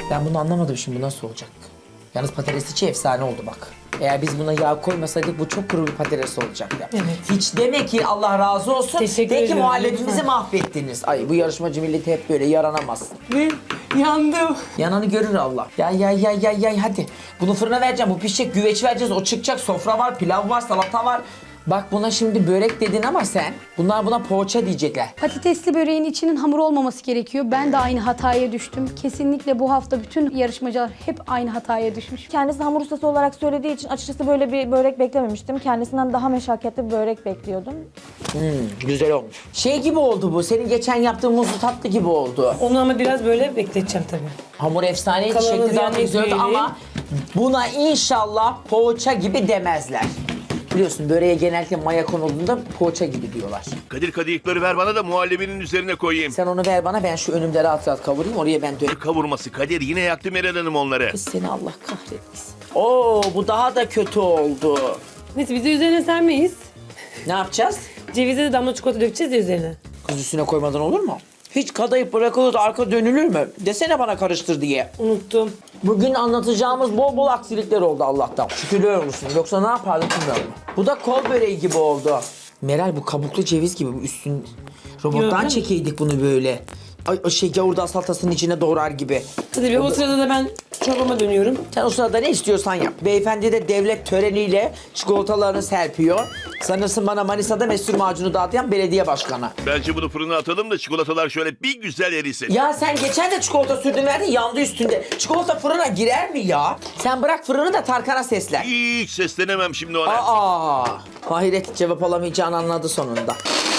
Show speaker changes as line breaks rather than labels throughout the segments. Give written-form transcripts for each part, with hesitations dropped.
Ben bunu anlamadım şimdi, bu nasıl olacak? Yalnız patates içi efsane oldu bak. Eğer biz buna yağ koymasaydık bu çok kuru bir patates olacaktı.
Evet.
Hiç deme ki Allah razı olsun.
Teşekkür
De ki
ederim,
muhallebimizi
lütfen.
mahvettiniz. Ay bu yarışmacı milleti hep böyle yaranamaz.
Ve yandım.
Yananı görür Allah. Ya hadi. Bunu fırına vereceğim. Bu pişecek. Güveç vereceğiz. O çıkacak. Sofra var, pilav var, salata var. Bak buna şimdi börek dedin ama sen. Bunlar buna poğaça diyecekler.
Patatesli böreğin içinin hamur olmaması gerekiyor. Ben de aynı hataya düştüm. Kesinlikle bu hafta bütün yarışmacılar hep aynı hataya düşmüş.
Kendisi hamur ustası olarak söylediği için açıkçası böyle bir börek beklememiştim. Kendisinden daha meşakkatli bir börek bekliyordum.
Güzel olmuş. Şey gibi oldu bu. Senin geçen yaptığın muzlu tatlı gibi oldu.
Onu ama biraz böyle bekleteceğim tabii.
Hamur efsaneydi.
Kalanı
Şekli
ziyan
zaten güzeldi
etmeyelim.
ama buna inşallah poğaça gibi demezler. Biliyorsun böreğe genellikle maya konulduğunda poğaça gibi diyorlar.
Kadir kadayıfları ver bana da muhallebinin üzerine koyayım.
Sen onu ver bana, ben şu önümde rahat rahat kavurayım, oraya ben dönüp.
Kavurması Kadir, yine yaktı Meral Hanım onları.
Kız seni Allah kahretmesin. Oo bu daha da kötü oldu.
Neyse biz de üzerine sermeyiz.
Ne yapacağız?
Cevize de damla çikolata dökeceğiz ya üzerine.
Kız üstüne koymadan olur mu? Hiç kadayıf bırakılır da arka dönülür mü? Desene bana karıştır diye.
Unuttum.
Bugün anlatacağımız bol bol aksilikler oldu Allah'tan. Şükürler olsun. Yoksa ne yapardık bilmiyorum. Bu da kol böreği gibi oldu. Meral bu kabuklu ceviz gibi, bu üstün robottan
Gördün mü?
çekeydik bunu böyle. Ay, o şey gavurda salatasının içine doğrar gibi.
Hadi bir o sırada da ben çorbama dönüyorum.
Sen o sırada ne istiyorsan yap. Beyefendi de devlet töreniyle çikolatalarını serpiyor. Sanırsın bana Manisa'da mesur macunu dağıtan belediye başkanı.
Bence bunu fırına atalım da çikolatalar şöyle bir güzel erisin.
Ya sen geçen de çikolata sürdün verdin, yandı üstünde. Çikolata fırına girer mi ya? Sen bırak fırını da Tarkan'a seslen.
Hiç seslenemem şimdi ona.
Aa, hayret, cevap alamayacağını anladı sonunda.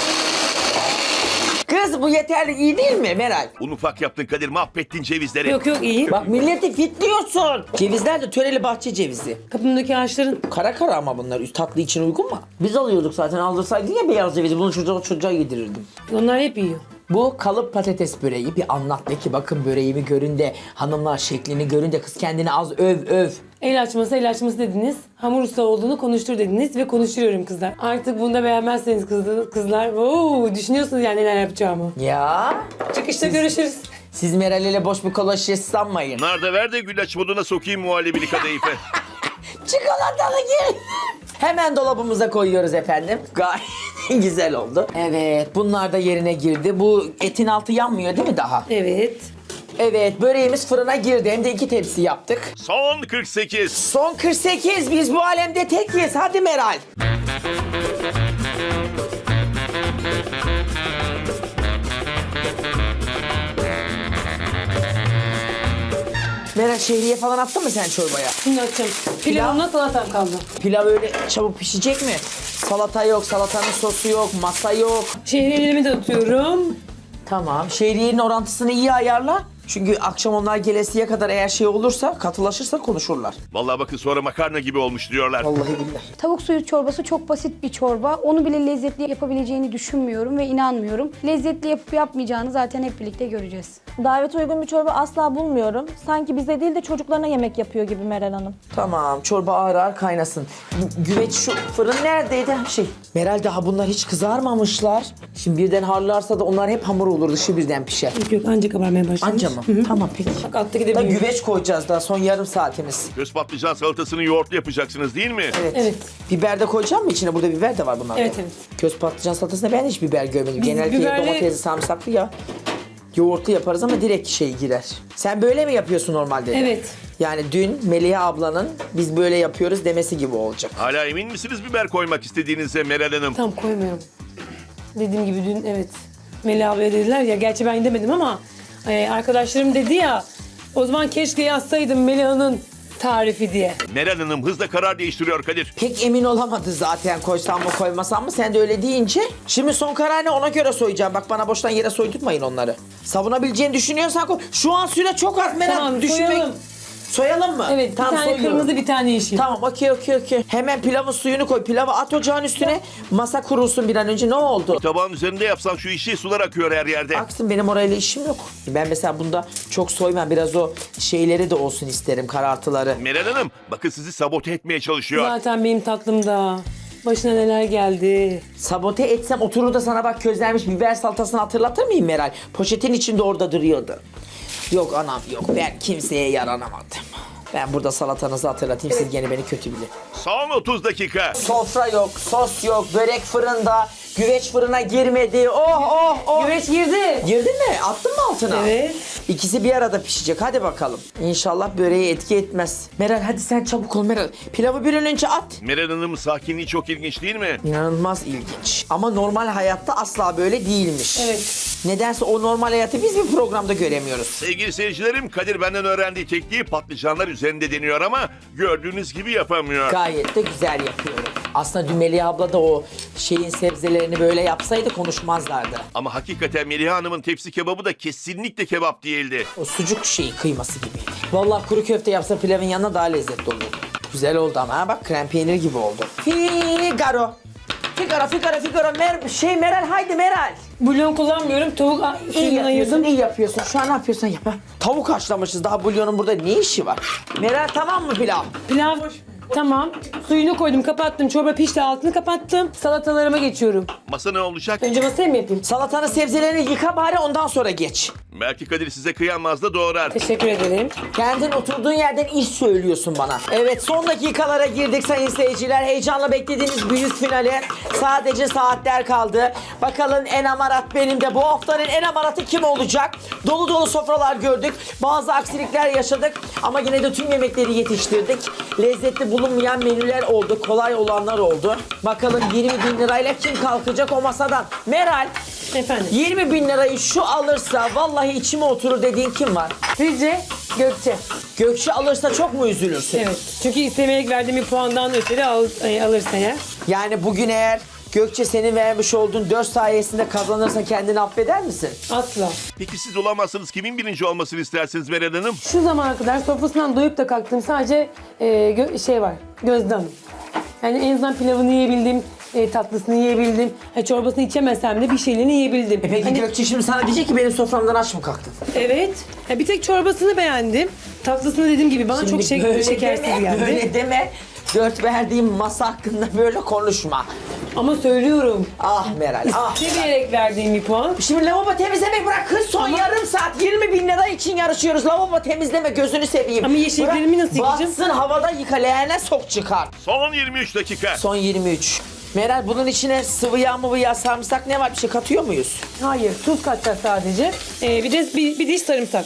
Kız bu yeterli, iyi değil mi Meral?
Un ufak yaptın Kadir, mahvettin cevizleri.
Yok iyi.
Bak milleti fitliyorsun. Cevizler de töreli bahçe cevizi.
Kapımdaki ağaçların
Kara kara ama bunlar tatlı için uygun mu? Biz alıyorduk zaten, aldırsaydın ya beyaz cevizi, bunu çocuğa yedirirdim.
onlar hep yiyor.
Bu kalıp patates böreği, bir anlat de ki bakın böreğimi görün de, hanımlar şeklini görün de, kız kendini az öv.
El açması dediniz. Hamur usta olduğunu konuştur dediniz ve konuşturuyorum kızlar. Artık bunu da beğenmezseniz kızlar. Düşünüyorsunuz yani neler yapacağımı.
Ya
Çıkışta görüşürüz.
siz Meral ile boş bir kola şişesi sanmayın.
Nar da ver de güllaç moduna sokayım muhallebili kadayıfı.
Çikolatalı gel. Hemen dolabımıza koyuyoruz efendim. Gayet güzel oldu. Evet, bunlar da yerine girdi. Bu etin altı yanmıyor değil mi daha?
Evet.
Evet, böreğimiz fırına girdi. Hem de 2 tepsi yaptık.
Son 48.
Son 48, biz bu alemde tekiz. Hadi Meral. Meral şehriye falan attın mı sen çorbaya?
Şimdi açacağım. Pilavımla salatam kaldı.
Pilav öyle çabuk pişecek mi? Salata yok, salatanın sosu yok, masa yok.
Şehriyelerimi de atıyorum.
Tamam. Şehriyenin orantısını iyi ayarla. Çünkü akşam onlar gelesiye kadar eğer şey olursa, katılaşırsa konuşurlar.
Vallahi bakın sonra makarna gibi olmuş diyorlar.
Vallahi billahi.
Tavuk suyu çorbası çok basit bir çorba. Onu bile lezzetli yapabileceğini düşünmüyorum ve inanmıyorum. Lezzetli yapıp yapmayacağını zaten hep birlikte göreceğiz.
Davete uygun bir çorba asla bulmuyorum. Sanki bize değil de çocuklarına yemek yapıyor gibi Meral Hanım.
Tamam, çorba ağır ağır kaynasın. Güveç şu fırın neredeydi? Meral daha bunlar hiç kızarmamışlar. Şimdi birden harlarsa da onlar hep hamur olur, dışı birden pişer.
Yok anca kabarmaya başlamış.
Anca mı? Tamam peki.
Bak alttaki de
Da
büyüyor.
güveç koyacağız daha, son yarım saatimiz.
Göz patlıcan salatasını yoğurtlu yapacaksınız değil mi?
Evet.
Biber de koyacağım mı içine? Burada biber de var bunlarda.
Evet, evet.
Köz patlıcan salatasında ben hiç biber görmedim.
Biz
Genellikle
biberli-
domatesli, sarımsaklı ya. Yoğurtlu yaparız ama direkt şey girer. Sen böyle mi yapıyorsun normalde? de?
Evet.
Yani dün Melih ablanın biz böyle yapıyoruz demesi gibi olacak.
Hala emin misiniz biber koymak istediğinize Meral Hanım?
Tam koymuyorum. Dediğim gibi dün evet. Melih ablaya dediler ya, gerçi ben demedim ama arkadaşlarım dedi ya, o zaman keşke yazsaydım Melih'in tarifi diye.
Meral Hanım hızla karar değiştiriyor Kadir.
Pek emin olamadı zaten koysam mı koymasam mı, sen de öyle deyince. Şimdi son karar ne, ona göre soyacağım. Bak bana boştan yere soydurtmayın onları. Savunabileceğini düşünüyorsan koy. Şu an süre çok az Meral.
Tamam,
düşünmek.
soyalım.
Soyalım mı?
Evet, bir tane
soyuyorum.
kırmızı, bir tane yeşil.
Tamam, okey. Hemen pilavın suyunu koy. Pilavı at ocağın üstüne. Masa kurulsun bir an önce. Ne oldu?
Tabağın üzerinde yapsan şu işi, sular akıyor her yerde.
Aksın, benim orayla işim yok. Ben mesela bunda çok soymam. Biraz o şeyleri de olsun isterim, karartıları.
Meral Hanım bakın sizi sabote etmeye çalışıyor.
Zaten benim tatlımda başına neler geldi.
Sabote etsem oturur da sana bak közlenmiş biber salatasını hatırlatır mıyım Meral? Poşetin içinde orada duruyordu. Yok anam yok. Ben kimseye yaranamadım. Ben burada salatanızı hatırlatayım. Siz gene beni kötü bilin.
Son 30 dakika.
Sofra yok, sos yok, börek fırında, güveç fırına girmedi. Oh oh oh.
Güveç girdi.
Girdin mi? Attın mı altına?
Evet.
İkisi bir arada pişecek. Hadi bakalım. İnşallah böreğe etki etmez. Meral hadi sen çabuk ol Meral. Pilavı bir an önce at.
Meral Hanım sakinliği çok ilginç değil mi?
İnanılmaz ilginç. Ama normal hayatta asla böyle değilmiş.
Evet.
Nedense o normal hayatı biz bir programda göremiyoruz.
Sevgili seyircilerim, Kadir benden öğrendiği tekniği patlıcanlar üzerinde deniyor ama gördüğünüz gibi yapamıyor.
Gayet de güzel yapıyorum. Aslında dün Melih abla da o şeyin sebzelerini böyle yapsaydı konuşmazlardı.
Ama hakikaten Melih Hanım'ın tepsi kebabı da kesinlikle kebap değildi.
O sucuk şeyi kıyması gibiydi. Vallahi kuru köfte yapsa pilavın yanına daha lezzetli olurdu. Güzel oldu ama ha bak krem peynir gibi oldu. Figaro. Meral haydi Meral.
Bulyon kullanmıyorum. Tavuk
İyi
suyunu
yapıyorsun,
ayırdım.
iyi yapıyorsun. Şu an ne yapıyorsun yap. Ha. Tavuk haşlamışız. Daha bulyonun burada ne işi var? Meral tamam mı pilav?
Pilav tamam. Suyunu koydum, kapattım. Çorba pişti, altını kapattım. Salatalarıma geçiyorum.
Masa ne olacak?
Önce masaya mı yapayım?
Salatanın sebzelerini yıka bari ondan sonra geç.
Belki Kadir size kıyamaz da doğrar.
Teşekkür ederim.
Kendin oturduğun yerden iş söylüyorsun bana. Evet son dakikalara girdik sayın seyirciler. Heyecanla beklediğimiz büyük finale sadece saatler kaldı. Bakalım en amarat benim de bu haftanın en amaratı kim olacak? Dolu dolu sofralar gördük. Bazı aksilikler yaşadık. Ama yine de tüm yemekleri yetiştirdik. Lezzetli bulunmayan menüler oldu. Kolay olanlar oldu. Bakalım 20.000 lirayla kim kalkacak o masadan? Meral
Efendim.
20.000 lirayı şu alırsa vallahi içime oturur dediğin kim var?
Rize, Gökçe.
Gökçe alırsa çok mu üzülürsün?
Evet. Çünkü istemeyerek verdiğim bir puandan ötürü alırsa ya.
Yani bugün eğer Gökçe senin vermiş olduğun 4 sayesinde kazanırsa kendini affeder misin?
Asla.
Peki siz olamazsınız, kimin birinci olmasını istersiniz Meral Hanım?
Şu zamana kadar sofrasından doyup da kalktım. Sadece şey var. Gözde Hanım. Yani en azından pilavını yiyebildim. Tatlısını yiyebildim. Çorbasını içemesem de bir şeylerini yiyebildim.
Peki
Hani-
Gökçe şimdi sana diyecek ki benim soframdan aç mı kalktın?
Evet. Bir tek çorbasını beğendim. Tatlısını dediğim gibi bana çok şekersiz geldi.
Böyle deme. 4 verdiğim masa hakkında böyle konuşma.
Ama söylüyorum.
Ah Meral ah.
Seviyerek verdiğim bir puan.
Şimdi lavabo temizlemek bırak kız son yarım saat 20.000 lira için yarışıyoruz. Lavabo temizleme gözünü seveyim.
Ama yeşilliklerimi
Bırak,
nasıl yıkayacağım?
Batsın havada yıka leğene sok çıkar.
Son 23 dakika.
Son 23. Meral bunun içine sıvı yağ mı yağ sarımsak ne var bir şey katıyor muyuz?
Hayır, tuz katacağız sadece. Bir de bir diş sarımsak.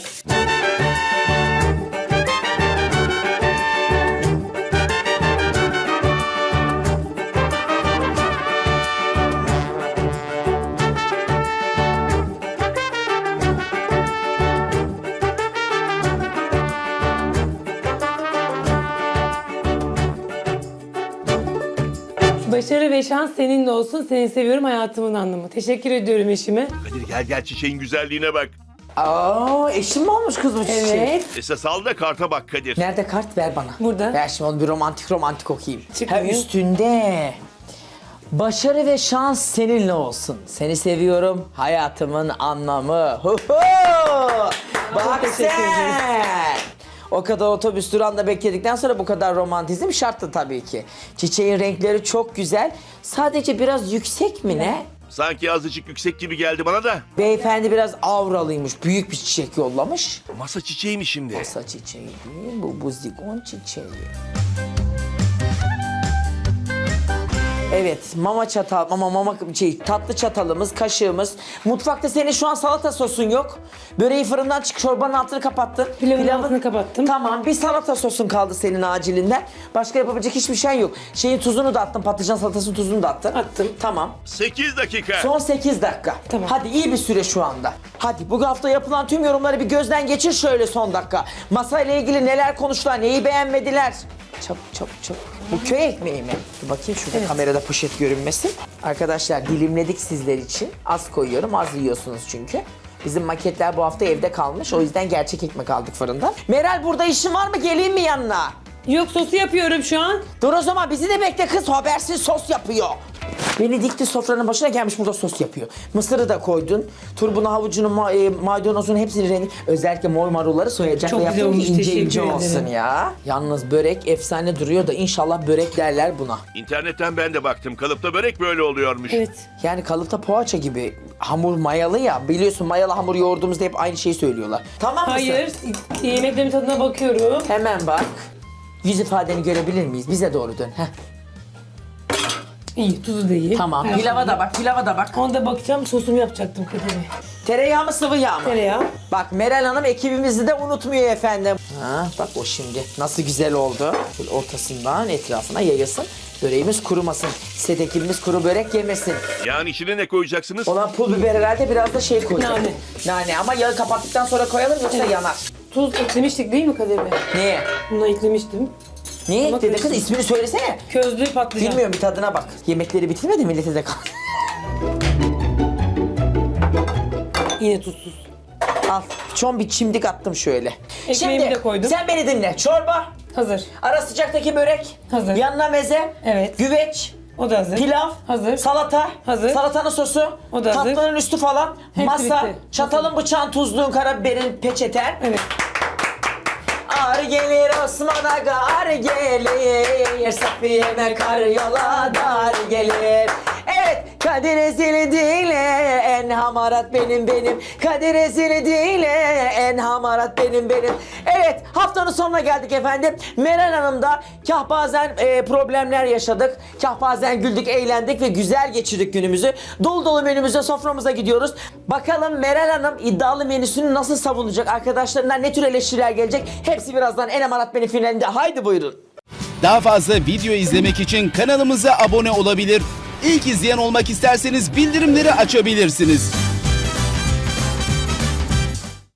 Başarı ve şans seninle olsun. Seni seviyorum hayatımın anlamı. Teşekkür ediyorum eşime.
Kadir gel çiçeğin güzelliğine bak.
Aa eşim mi olmuş kız bu çiçek?
Evet.
Esas al da karta bak Kadir.
Nerede kart ver bana.
Burada.
Ver şimdi onu bir romantik okuyayım.
Çıkmıyor.
Ha üstünde. Başarı ve şans seninle olsun. Seni seviyorum. Hayatımın anlamı. Hu hu! Bak
teşekkür ederim.
sen. O kadar otobüs durağında bekledikten sonra bu kadar romantizm şarttı tabii ki. Çiçeğin renkleri çok güzel. Sadece biraz yüksek mi ne?
Sanki azıcık yüksek gibi geldi bana da.
Beyefendi biraz avralıymış. Büyük bir çiçek yollamış.
Masa çiçeği mi şimdi?
Masa çiçeği değil, bu zigon çiçeği. Evet, tatlı çatalımız, kaşığımız. Mutfakta senin şu an salata sosun yok. Böreği fırından çık, çorbanın altını kapattın.
Pilavın altını kapattım.
Tamam, bir salata sosun kaldı senin acilinden. Başka yapabilecek hiçbir şey yok. Şeyin tuzunu da attın, patlıcan salatasının tuzunu da attın.
Attım.
Tamam.
8 dakika.
Son 8 dakika.
Tamam.
Hadi iyi bir süre şu anda. Hadi bu hafta yapılan tüm yorumları bir gözden geçir şöyle son dakika. Masayla ilgili neler konuştular, neyi beğenmediler? Çabuk. Bu köy ekmeği mi? Dur bakayım şurada kamerada poşet görünmesin. Arkadaşlar dilimledik sizler için. Az koyuyorum, az yiyorsunuz çünkü. Bizim maketler bu hafta evde kalmış. O yüzden gerçek ekmek aldık fırından. Meral burada işin var mı? Geleyim mi yanına?
Yok sosu yapıyorum şu an.
Dur o zaman bizi de bekle kız. Habersiz sos yapıyor. Beni dikti sofranın başına, gelmiş burada sos yapıyor. Mısırı da koydun. Turbunu, havucunu, maydanozunu hepsini renk. Özellikle mor marulları soyacak
Çok
ve
güzel
yaptım ki
olmuş,
ince
teşekkür
ince olsun
ederim.
ya. Yalnız börek efsane duruyor da inşallah börek derler buna.
İnternetten ben de baktım. Kalıpta börek böyle oluyormuş.
Evet.
Yani kalıpta poğaça gibi hamur mayalı ya. Biliyorsun mayalı hamur yoğurduğumuzda hep aynı şeyi söylüyorlar. Tamam mısın?
Hayır. Yemeklerimin tadına bakıyorum.
Hemen bak. Yüz ifadeni görebilir miyiz? Bize doğru dön. Heh.
İyi, tuzu da iyi.
Tamam.
Her
Pilava
şey
da bak, pilava da bak.
iyi. Ona da bakacağım. Sosumu yapacaktım Kadir Bey.
Tereyağı mı sıvı yağ mı?
Tereyağı.
Bak Meral Hanım ekibimizi de unutmuyor efendim. Ha, bak o şimdi nasıl güzel oldu. Böyle ortasından etrafına yayılsın. Böreğimiz kurumasın. Sedekilimiz kuru börek yemesin.
Yani içine ne koyacaksınız?
Olan pul biber herhalde biraz da şey koyacağız.
Nane.
Nane ama yağı kapattıktan sonra koyalım yoksa yanar.
Tuz eklemiştik değil mi Kadir Bey?
Niye?
Buna eklemiştim.
Niye
Ama
ekledin kız?
koyalım.
İsmini söylesene.
Közlü patlıcan.
Bilmiyorum, bir tadına bak. Yemekleri bitirmedi, millete de kal.
Yine tuzsuz.
Al. Çon bir çimdik attım şöyle.
Ekmeğimi de koydum.
Sen beni dinle. Çorba.
Hazır.
Ara sıcaktaki börek.
Hazır.
Yanına meze.
Evet.
Güveç.
O da hazır.
Pilav.
Hazır.
Salata.
Hazır.
Salatanın sosu.
O da hazır.
Tatlının üstü falan.
Hepsi
Masa.
bitti.
Çatalın, bıçağın, tuzluğun, karabiberin, peçeten.
Evet.
Ar gelir Osman Aga, ar gelir Safiye'me kar yola dar gelir. Evet, Kadir Ezeli değil en hamarat benim. Kadir Ezeli değil en hamarat benim. Evet, haftanın sonuna geldik efendim. Meral Hanım'da kah bazen problemler yaşadık. Kah bazen güldük, eğlendik ve güzel geçirdik günümüzü. Dolu dolu menümüze, soframıza gidiyoruz. Bakalım Meral Hanım iddialı menüsünü nasıl savunacak? Arkadaşlarından ne tür eleştiriler gelecek? Hepsi birazdan En Hamarat Benim finalinde. Haydi buyurun.
Daha fazla video izlemek için kanalımıza abone olabilir. İlk izleyen olmak isterseniz bildirimleri açabilirsiniz.